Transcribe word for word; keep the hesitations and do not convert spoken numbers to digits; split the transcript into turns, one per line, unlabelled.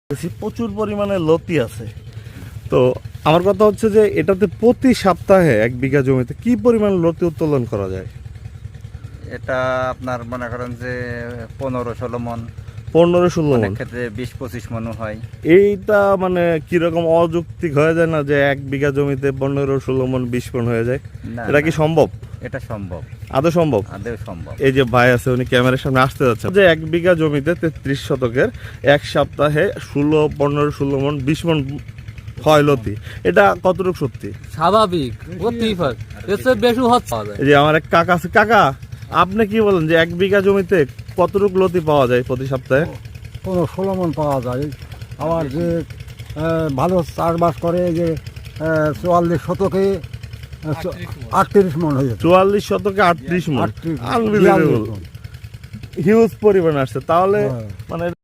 প্রচুর পরিমাণে লতি আছে। তো আমার কথা হচ্ছে যে এটাতে প্রতি সপ্তাহে এক বিঘা জমিতে কি পরিমাণ লতি উত্তোলন করা যায়?
এটা আপনার মনে করেন যে পনেরো ষোলো মন,
পনেরো ষোলো
অনেক
মন।
ক্ষেত্রে বিশ পঁচিশ মনও হয়।
এইটা মানে কিরকম অযৌক্তিক হয়ে যায় না যে এক বিঘা জমিতে পনেরো ষোলো মন বিশ মন হয়ে যায়?
না,
এটা কি
না,
সম্ভব?
এটা সম্ভব,
আদৌ সম্ভব?
আদেও সম্ভব।
এই যে ভাই আছে উনি ক্যামেরার সামনে আসতে যাচ্ছে যে এক বিঘা জমিতে তেত্রিশ শতকের এক সপ্তাহে ষোলো পনেরো ষোলো মন বিশ মন হয় লতি, এটা কতটুকু সত্যি?
স্বাভাবিক, হতেই পারে, এর চেয়ে বেশি হচ্ছে।
এই যে আমার এক কাকা আছে, কাকা আপনি কি বলেন যে এক বিঘা জমিতে কতটুকু লতি পাওয়া যায় প্রতি সপ্তাহে?
কোনো ষোলো মন পাওয়া যায়। আবার যে আহ, ভালো চাষবাস করে যে আহ, চুয়াল্লিশ শতকে আটত্রিশ মন হয়ে যাচ্ছে।
চুয়াল্লিশ শতকে আটত্রিশ মন,
আটত্রিশ,
আনবিলিভেবল,
বিয়াল্লিশ মণ।
হিউজ পরিমাণ আসছে। তাহলে
হ্যাঁ।
মানে